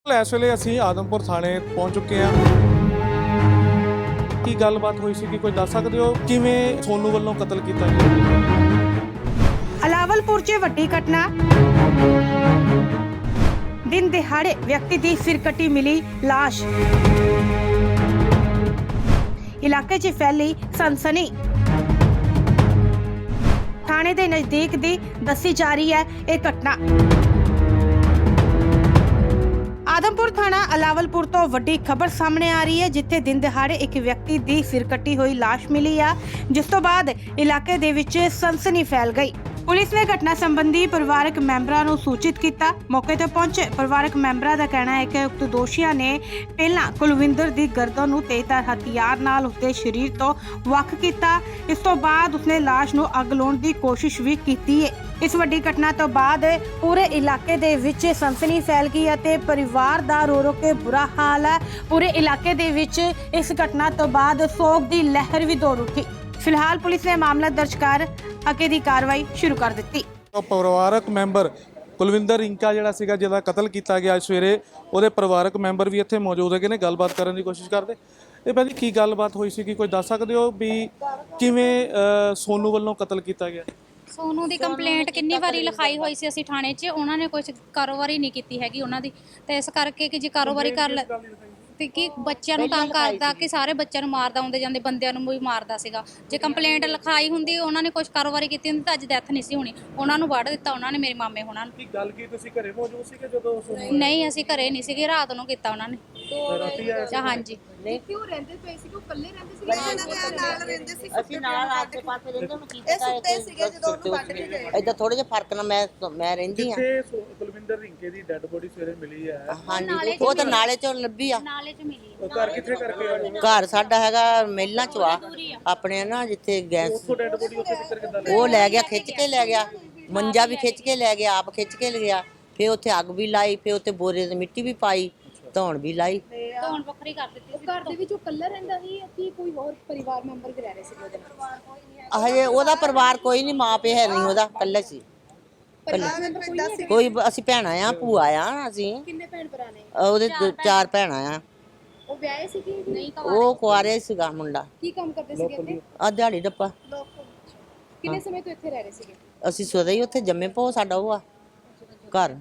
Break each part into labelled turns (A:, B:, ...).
A: ਇਸ ਵੇਲੇ ਅਸੀਂ ਆਦਮਪੁਰ ਥਾਣੇ ਪਹੁੰਚ ਚੁੱਕੇ ਹਾਂ। ਕੀ ਗੱਲਬਾਤ ਹੋਈ ਸੀ ਕਿ ਕੋਈ ਦੱਸ ਸਕਦੇ ਹੋ ਕਿਵੇਂ ਸੋਨੂ ਵੱਲੋਂ ਕਤਲ ਕੀਤਾ ਗਿਆ?
B: ਅਲਾਵਲਪੁਰ 'ਚ ਵੱਡੀ ਘਟਨਾ। ਦਿਨ ਦਿਹਾੜੇ ਵਿਅਕਤੀ ਦੀ ਸਿਰ ਕੱਟੀ ਮਿਲੀ ਲਾਸ਼। ਇਲਾਕੇ 'ਚ ਫੈਲੀ ਸਨਸਨੀ। ਥਾਣੇ ਦੇ ਨਜ਼ਦੀਕ ਦੀ ਦੱਸੀ ਜਾ ਰਹੀ ਹੈ ਇਹ ਘਟਨਾ। ਆਦਮਪੁਰ ਥਾਣਾ ਅਲਾਵਲਪੁਰ ਤੋਂ ਵੱਡੀ ਖਬਰ ਸਾਹਮਣੇ ਆ ਰਹੀ ਹੈ, ਜਿੱਥੇ ਦਿਨ ਦਿਹਾੜੇ ਇੱਕ ਵਿਅਕਤੀ ਦੀ ਸਿਰ ਕੱਟੀ ਹੋਈ ਲਾਸ਼ ਮਿਲੀ ਆ, ਜਿਸ ਤੋਂ ਬਾਅਦ ਇਲਾਕੇ ਦੇ ਵਿੱਚ ਸਨਸਨੀ ਫੈਲ ਗਈ। ਪੁਲਿਸ ਨੇ ਘਟਨਾ ਸੰਬੰਧੀ ਪਰਿਵਾਰਕ ਮੈਂਬਰਾਂ ਨੂੰ ਸੂਚਿਤ ਕੀਤਾ। ਮੌਕੇ ਤੇ ਪਹੁੰਚੇ ਪਰਿਵਾਰਕ ਮੈਂਬਰਾਂ ਦਾ ਕਹਿਣਾ ਹੈ ਕਿ ਉਕਤ ਦੋਸ਼ੀਆਂ ਨੇ ਪਹਿਲਾਂ ਕੁਲਵਿੰਦਰ ਦੀ ਗਰਦਨ ਨੂੰ ਤੇਜ਼ਧਾਰ ਹਥਿਆਰ ਨਾਲ ਉਸਦੇ ਸਰੀਰ ਤੋਂ ਵੱਖ ਕੀਤਾ। ਇਸ ਤੋਂ ਬਾਅਦ ਉਸਨੇ ਲਾਸ਼ ਨੂੰ ਅੱਗ ਲਾਉਣ ਦੀ ਕੋਸ਼ਿਸ਼ ਵੀ ਕੀਤੀ ਹੈ। ਇਸ ਵੱਡੀ ਘਟਨਾ ਤੋਂ ਬਾਅਦ ਪੂਰੇ ਇਲਾਕੇ ਦੇ ਵਿੱਚ ਸਨਸਨੀ ਫੈਲ ਗਈ ਅਤੇ ਪਰਿਵਾਰ ਦਾ ਰੋ ਰੋ ਕੇ ਬੁਰਾ ਹਾਲ ਹੈ। ਪੂਰੇ ਇਲਾਕੇ ਦੇ ਵਿੱਚ ਇਸ ਘਟਨਾ ਤੋਂ ਬਾਅਦ ਸੋਗ ਦੀ ਲਹਿਰ ਵੀ ਦੌੜ ਉੱਠੀ। ਫਿਲਹਾਲ ਪੁਲਿਸ ਨੇ ਮਾਮਲਾ ਦਰਜ ਕਰ ਅੱਗੇ ਦੀ ਕਾਰਵਾਈ ਸ਼ੁਰੂ ਕਰ ਦਿੱਤੀ।
A: ਪਰਿਵਾਰਕ ਮੈਂਬਰ ਕੁਲਵਿੰਦਰ ਰਿੰਕਾ ਜਿਹੜਾ ਸੀਗਾ ਜਿਹਦਾ ਕਤਲ ਕੀਤਾ ਗਿਆ ਅੱਜ ਸਵੇਰੇ, ਉਹਦੇ ਪਰਿਵਾਰਕ ਮੈਂਬਰ ਵੀ ਇੱਥੇ ਮੌਜੂਦ ਹੈਗੇ ਨੇ, ਗੱਲਬਾਤ ਕਰਨ ਦੀ ਕੋਸ਼ਿਸ਼ ਕਰਦੇ। ਇਹ ਭਾਜੀ ਕੀ ਗੱਲਬਾਤ ਹੋਈ ਸੀ ਕਿ ਕੋਈ ਦੱਸ ਸਕਦੇ ਹੋ ਵੀ ਕਿਵੇਂ ਸੋਨੂ ਵੱਲੋਂ ਕਤਲ ਕੀਤਾ ਗਿਆ?
C: ਸੋਨੂ ਦੀ ਕੰਪਲੇਂਟ ਕਿੰਨੀ ਵਾਰੀ ਲਿਖਾਈ ਹੋਈ ਸੀ ਅਸੀਂ ਥਾਣੇ 'ਚ, ਉਹਨਾਂ ਨੇ ਕੁਝ ਕਾਰੋਬਾਰੀ ਨਹੀਂ ਕੀਤੀ ਹੈਗੀ ਉਹਨਾਂ ਦੀ, ਤੇ ਇਸ ਕਰਕੇ ਕਿ ਜੇ ਕਾਰੋਬਾਰੀ ਕਰ ਲੈ ਤੇ ਕਿ ਬੱਚਿਆਂ ਨੂੰ ਤੰਗ ਕਰਦਾ, ਕਿ ਸਾਰੇ ਬੱਚਿਆਂ ਨੂੰ ਮਾਰਦਾ, ਆਉਂਦੇ ਜਾਂਦੇ ਬੰਦਿਆਂ ਨੂੰ ਵੀ ਮਾਰਦਾ ਸੀਗਾ। ਜੇ ਕੰਪਲੇਂਟ ਲਿਖਾਈ ਹੁੰਦੀ, ਉਹਨਾਂ ਨੇ ਕੁਝ ਕਾਰੋਬਾਰੀ ਕੀਤੀ ਹੁੰਦੀ ਤਾਂ ਅੱਜ ਡੈਥ ਨਹੀਂ ਸੀ ਹੋਣੀ। ਉਹਨਾਂ ਨੂੰ ਵੱਢ ਦਿੱਤਾ ਉਹਨਾਂ ਨੇ, ਮੇਰੇ ਮਾਮੇ ਹੋਣਾ ਨੂੰ।
A: ਕੀ ਗੱਲ ਕੀ ਤੁਸੀਂ ਘਰੇ ਮੌਜੂਦ ਸੀਗੇ ਜਦੋਂ ਸੋਨੂ?
C: ਨਹੀਂ, ਅਸੀਂ ਘਰੇ ਨਹੀਂ ਸੀਗੇ, ਰਾਤ ਨੂੰ ਕੀਤਾ ਉਹਨਾਂ ਨੇ। ਹਾਂਜੀ।
D: ਕਿਉਂ ਰਹਿੰਦੇ ਪਏ ਸੀ? ਉਹ ਇਕੱਲੇ ਰਹਿੰਦੇ ਸੀ? ਨਾਲ ਰਹਿੰਦੇ ਸੀ।
E: ਅਸੀਂ ਨਾਲ ਆਸੇ ਪਾਸੇ ਰਹਿੰਦੇ ਹਾਂ।
D: ਇਹ ਸੁੱਤੇ ਸੀਗੇ ਜਦੋਂ ਉਹਨੂੰ ਵੱਢ ਕੇ ਗਏ।
E: ਇਦਾਂ ਥੋੜੇ ਜਿਹਾ ਫਰਕ ਨਾਲ ਮੈਂ ਰਹਿੰਦੀ ਆ।
A: ਜਿੱਥੇ ਕੁਲਵਿੰਦਰ ਰਿੰਕੇ ਦੀ ਡੈੱਡ ਬੋਡੀ ਸਵੇਰੇ ਮਿਲੀ ਹੈ,
E: ਹਾਂਜੀ, ਉਹ ਤਾਂ ਨਾਲੇ ਚੋਂ ਲੱਭੀ ਆ।
C: ਨਾਲੇ 'ਚ ਮਿਲੀ।
A: ਉਹ ਘਰ ਕਿੱਥੇ ਕਰਕੇ ਆਏ?
E: ਘਰ ਸਾਡਾ ਹੈਗਾ ਮਹਿਲਾਂ ਚ ਆ ਆਪਣੇ ਨਾ, ਜਿੱਥੇ ਗੈਸ
A: ਉੱਥੋਂ ਡੈੱਡ ਬੋਡੀ ਉੱਥੇ ਕਿੱਧਰ ਕਿੱਦਾਂ
E: ਉਹ ਲੈ ਗਿਆ, ਖਿੱਚ ਕੇ ਲੈ ਗਿਆ। ਮੰਜਾ ਵੀ ਖਿੱਚ ਕੇ ਲੈ ਗਿਆ, ਆਪ ਖਿੱਚ ਕੇ ਲੈ ਗਿਆ। ਫਿਰ ਉੱਥੇ ਅੱਗ ਵੀ ਲਾਈ, ਫਿਰ ਉੱਥੇ ਬੋਰੇ ਤੇ ਮਿੱਟੀ ਵੀ ਪਾਈ, ਧੌਣ ਵੀ ਲਾਈ।
C: ਧੌਣ ਵੱਖਰੀ ਕਰ ਦਿੱਤੀ ਸੀ।
D: ਘਰ ਦੇ ਵਿੱਚ ਉਹ ਇਕੱਲਾ ਰਹਿੰਦਾ ਸੀ ਕਿ ਕੋਈ ਹੋਰ ਪਰਿਵਾਰ ਮੈਂਬਰ ਵੀ ਰਹਿ ਰਹੇ ਸੀ ਉਹਦੇ ਨਾਲ?
E: ਹਜੇ ਉਹਦਾ ਪਰਿਵਾਰ ਕੋਈ ਨਹੀਂ, ਮਾਂ ਪਿਓ ਹੈ ਨਹੀਂ ਉਹਦਾ, ਇਕੱਲਾ ਸੀ।
D: ਪਰਿਵਾਰ ਮੈਂਬਰ ਕੋਈ ਨਹੀਂ?
E: ਕੋਈ ਅਸੀਂ ਭੈਣਾਂ ਆ, ਭੂਆ ਆ ਅਸੀਂ।
D: ਕਿੰਨੇ ਭੈਣ ਭਰਾ ਨੇ?
E: ਉਹਦੇ 4 ਭੈਣਾਂ ਆ।
D: ਉਹ ਵਿਆਹੇ ਸੀ ਕਿ ਨਹੀਂ?
E: ਉਹ ਕੁਆਰੇ ਸੀਗਾ ਮੁੰਡਾ।
D: ਕੀ ਕੰਮ ਕਰਦੇ ਸੀਗੇ ਇੱਥੇ?
E: ਆ ਦਿਹਾੜੀ ਡੱਪਾ।
D: ਕਿੰਨੇ ਸਮੇਂ ਤੋਂ ਇੱਥੇ ਰਹਿ ਰਹੇ ਸੀਗੇ?
E: ਅਸੀਂ ਸਦਾ ਹੀ ਉੱਥੇ ਜੰਮੇ ਪੋ, ਸਾਡਾ ਉਹ ਆ ਘਰ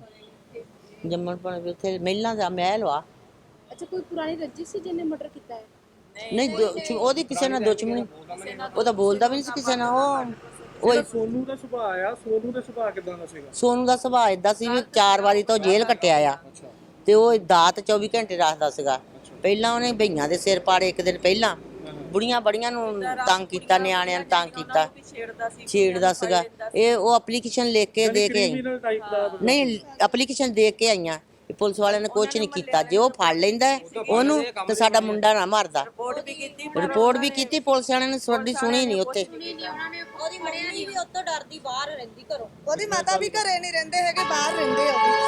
E: ਜੰਮਣ ਪਣ ਉੱਥੇ ਮਹਿਲਾਂ ਦਾ ਮਹਿਲ ਵਾ।
D: ਅੱਛਾ, ਕੋਈ ਪੁਰਾਣੀ ਰੰਜਿਸ਼ ਸੀ ਜਿਹਨੇ ਮਰਡਰ ਕੀਤਾ ਹੈ?
E: ਨਹੀਂ, ਉਹਦੀ ਕਿਸੇ ਨਾਲ ਦੁਸ਼ਮਣੀ, ਉਹ ਤਾਂ ਬੋਲਦਾ ਵੀ ਨਹੀਂ ਸੀ ਕਿਸੇ ਨਾਲ। ਉਹ
A: ਸੋਨੂ ਦਾ ਸੁਭਾਅ ਆ, ਸੋਨੂ ਦਾ ਸੁਭਾਅ ਕਿਦਾਂ ਦਾ ਸੀਗਾ?
E: ਸੋਨੂ ਦਾ ਸੁਭਾਅ ਏਦਾਂ ਸੀ ਵੀ 4 ਵਾਰੀ ਤੋਂ ਜੇਲ੍ਹ ਕੱਟਿਆ ਆ, ਤੇ ਉਹ ਦਾਤ 24 ਘੰਟੇ ਰੱਖਦਾ ਸੀਗਾ। ਪਹਿਲਾਂ ਉਹਨੇ ਭਈਆਂ ਦੇ ਸਿਰ ਪਾੜੇ, ਇੱਕ ਦਿਨ ਪਹਿਲਾਂ ਬੁੜੀਆਂ ਬੜੀਆਂ ਨੂੰ ਤੰਗ ਕੀਤਾ, ਨਿਆਣਿਆਂ ਨੂੰ ਤੰਗ ਕੀਤਾ, ਛੇੜਦਾ ਸੀਗਾ। ਇਹ ਉਹ ਐਪਲੀਕੇਸ਼ਨ ਲਿਖ ਕੇ ਦੇ ਕੇ ਆਈ, ਨਹੀਂ ਐਪਲੀਕੇਸ਼ਨ ਦੇ ਕੇ ਆਈਆਂ। ਪੁਲਿਸ ਵਾਲਿਆਂ ਨੇ ਕੁਝ ਨਹੀਂ ਕੀਤਾ। ਜੇ ਉਹ ਫੜ ਲੈਂਦਾ ਉਹਨੂੰ ਤੇ ਸਾਡਾ ਮੁੰਡਾ ਨਾ ਮਰਦਾ। ਰਿਪੋਰਟ ਵੀ ਕੀਤੀ ਪੁਲਿਸ ਵਾਲਿਆਂ ਨੇ, ਸਾਡੀ ਸੁਣੀ ਨਹੀਂ ਉੱਥੇ।
D: ਉਹਦੀ ਮੜਿਆ ਨਹੀਂ ਵੀ ਉੱਤੋਂ ਡਰਦੀ ਬਾਹਰ ਰਹਿੰਦੀ ਘਰੋਂ। ਉਹਦੀ ਮਾਤਾ ਵੀ ਘਰੇ ਨਹੀਂ ਰਹਿੰਦੇ ਹੈਗੇ, ਬਾਹਰ ਰਹਿੰਦੇ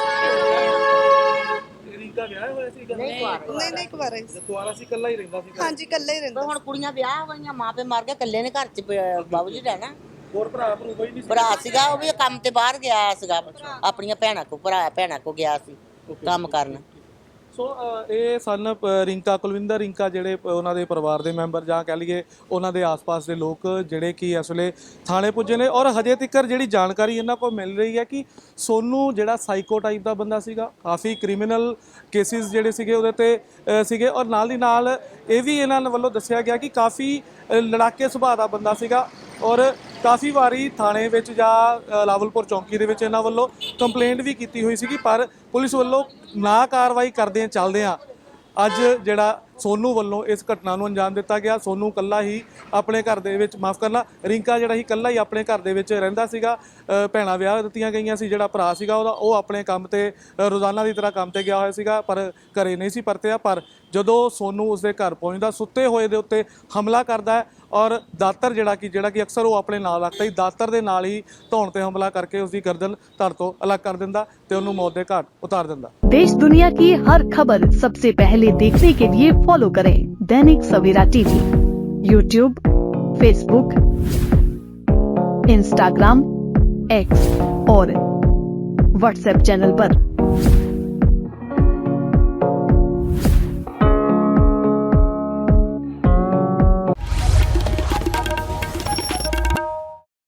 D: ਆ।
A: ਰਿੰਕਾ ਵਿਆਹ ਹੋਇਆ ਸੀਗਾ?
D: ਨਹੀਂ ਕੁਵਾਰਾ ਹੀ ਸੀ।
A: ਕੁਆਰਾ ਸੀ, ਇਕੱਲਾ ਹੀ ਰਹਿੰਦਾ ਸੀ?
D: ਹਾਂਜੀ, ਇਕੱਲਾ ਹੀ ਰਹਿੰਦਾ।
E: ਹੁਣ ਕੁੜੀਆਂ ਵਿਆਹ ਹੋਈਆਂ, ਮਾਂ ਪਿਓ ਮਰ ਗਏ, ਇਕੱਲੇ ਨੇ ਘਰ 'ਚ ਬਾਬੂ ਜੀ ਰਹਿਣਾ।
A: ਹੋਰ ਭਰਾ ਭਰੂ ਕੋਈ ਨਹੀਂ ਸੀ?
E: ਭਰਾ ਸੀਗਾ, ਉਹ ਵੀ ਕੰਮ ਤੇ ਬਾਹਰ ਗਿਆ ਸੀਗਾ, ਆਪਣੀਆਂ ਭੈਣਾਂ ਕੋ, ਭੈਣਾਂ ਕੋ ਗਿਆ ਸੀ ਕੰਮ ਕਰਨ।
A: ਸੋ ਇਹ ਸਨ ਰਿੰਕਾ, ਕੁਲਵਿੰਦਰ ਰਿੰਕਾ, ਜਿਹੜੇ ਉਹਨਾਂ ਦੇ ਪਰਿਵਾਰ ਦੇ ਮੈਂਬਰ ਜਾਂ ਕਹਿ ਲਈਏ ਉਹਨਾਂ ਦੇ ਆਸ-ਪਾਸ ਦੇ ਲੋਕ ਜਿਹੜੇ ਕਿ ਇਸ ਵੇਲੇ ਥਾਣੇ ਪੁੱਜੇ ਨੇ। ਔਰ ਹਜੇ ਤੱਕ ਜਿਹੜੀ ਜਾਣਕਾਰੀ ਇਹਨਾਂ ਕੋਲ ਮਿਲ ਰਹੀ ਹੈ ਕਿ ਸੋਨੂ ਜਿਹੜਾ ਸਾਈਕੋ ਟਾਈਪ ਦਾ ਬੰਦਾ ਸੀਗਾ, ਕਾਫੀ ਕ੍ਰਿਮੀਨਲ ਕੇਸਿਸ ਜਿਹੜੇ ਸੀਗੇ ਉਹਦੇ ਤੇ ਸੀਗੇ। ਔਰ ਨਾਲ ਦੀ ਨਾਲ ਇਹ ਵੀ ਇਹਨਾਂ ਵੱਲੋਂ ਦੱਸਿਆ ਗਿਆ ਕਿ ਕਾਫੀ ਲੜਾਕੇ ਸੁਭਾਅ ਦਾ ਬੰਦਾ ਸੀਗਾ। ਔਰ ਕਾਫੀ ਵਾਰੀ ਥਾਣੇ ਵਿੱਚ ਜਾਂ ਲਾਵਲਪੁਰ ਚੌਂਕੀ ਦੇ ਵਿੱਚ ਇਹਨਾਂ ਵੱਲੋਂ ਕੰਪਲੇਂਟ ਵੀ ਕੀਤੀ ਹੋਈ ਸੀਗੀ, ਪਰ ਪੁਲਿਸ ਵੱਲੋਂ ਨਾ ਕਾਰਵਾਈ ਕਰਦੇ ਚੱਲਦਿਆਂ ਅੱਜ ਜਿਹੜਾ ਸੋਨੂ ਵੱਲੋਂ ਇਸ ਘਟਨਾ ਨੂੰ ਅੰਜਾਮ ਦਿੱਤਾ ਗਿਆ। ਸੋਨੂ ਇਕੱਲਾ ਹੀ ਆਪਣੇ ਘਰ ਦੇ ਵਿੱਚ, ਮਾਫ ਕਰਨਾ, ਰਿੰਕਾ ਜਿਹੜਾ ਹੀ ਇਕੱਲਾ ਹੀ ਆਪਣੇ ਘਰ ਦੇ ਵਿੱਚ ਰਹਿੰਦਾ ਸੀਗਾ। ਭੈਣਾਂ ਵਿਆਹ ਦਿੱਤੀਆਂ ਗਈਆਂ ਸੀ। ਜਿਹੜਾ ਭਰਾ ਸੀਗਾ ਉਹਦਾ, ਉਹ ਆਪਣੇ ਕੰਮ ਤੇ ਰੋਜ਼ਾਨਾ ਦੀ ਤਰ੍ਹਾਂ ਕੰਮ ਤੇ ਗਿਆ ਹੋਇਆ ਸੀਗਾ, ਪਰ ਘਰੇ ਨਹੀਂ ਸੀ ਪਰਤਿਆ। ਪਰ ਜਦੋਂ ਸੋਨੂ ਉਸਦੇ ਘਰ ਪਹੁੰਚਦਾ, ਸੁੱਤੇ ਹੋਏ ਦੇ ਉੱਤੇ ਹਮਲਾ ਕਰਦਾ ਹੈ ਔਰ ਦਾਤਰ ਜਿਹੜਾ ਕਿ ਅਕਸਰ ਉਹ ਆਪਣੇ ਨਾਲ ਰੱਖਦਾ ਸੀ, ਦਾਤਰ ਦੇ ਨਾਲ ਹੀ ਧੌਣ ਤੇ ਹਮਲਾ ਕਰਕੇ ਉਸਦੀ ਗਰਦਨ ਧੜ ਤੋਂ ਅਲੱਗ ਕਰ ਦਿੰਦਾ ਤੇ ਉਹਨੂੰ ਮੌਤ ਦੇ ਘਾਟ ਉਤਾਰ ਦਿੰਦਾ।
F: देश दुनिया की हर खबर सबसे पहले देखने के लिए फॉलो करें Dainik Savera TV, YouTube, Facebook, Instagram, X और व्हाट्सएप चैनल पर।